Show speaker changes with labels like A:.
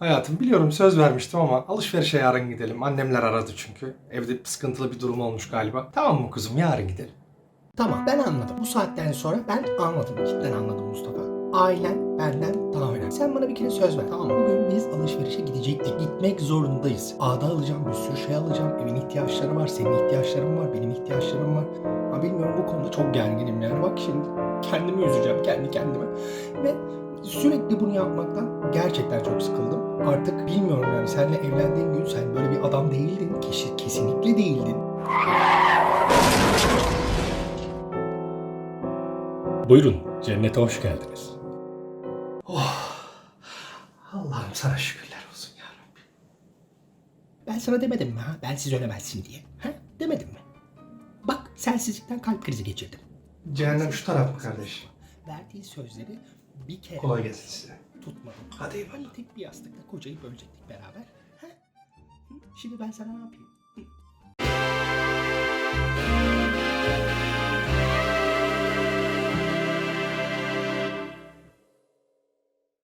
A: Hayatım biliyorum söz vermiştim ama alışverişe yarın gidelim. Annemler aradı çünkü. Evde sıkıntılı bir durum olmuş galiba. Tamam mı kuzum, yarın gidelim.
B: Tamam, ben anladım. Bu saatten sonra ben anladım. Cidden anladım Mustafa. Ailen benden daha önemli. Sen bana bir kere söz ver. Tamam mı? Bugün biz alışverişe gidecektik. Gitmek zorundayız. Ağda alacağım, bir sürü şey alacağım. Evin ihtiyaçları var, senin ihtiyaçların var, benim ihtiyaçlarım var. Ha, bilmiyorum, bu konuda çok gerginim yani. Bak şimdi kendimi üzeceğim kendi kendime. Ve sürekli bunu yapmaktan gerçekten çok sıkıldım. Artık bilmiyorum yani, seninle evlendiğim gün sen böyle bir adam değildin. Kesinlikle değildin.
C: Buyurun, cennete hoş geldiniz.
A: Allah'ım sana şükürler olsun ya Rabbi.
B: Ben sana demedim mi ha? Bensiz ölemezsin diye. Ha? Demedim mi? Bak, sensizlikten kalp krizi geçirdim.
A: Cehennem şu taraf mı kardeş?
B: Verdiği sözleri bir kere
A: Kolay gelsin size.
B: tutmadım.
A: Hadi eyvallah.
B: Hani tek bir yastıkta kocayı bölecektik beraber. Ha? Hı? Şimdi ben sana ne yapayım?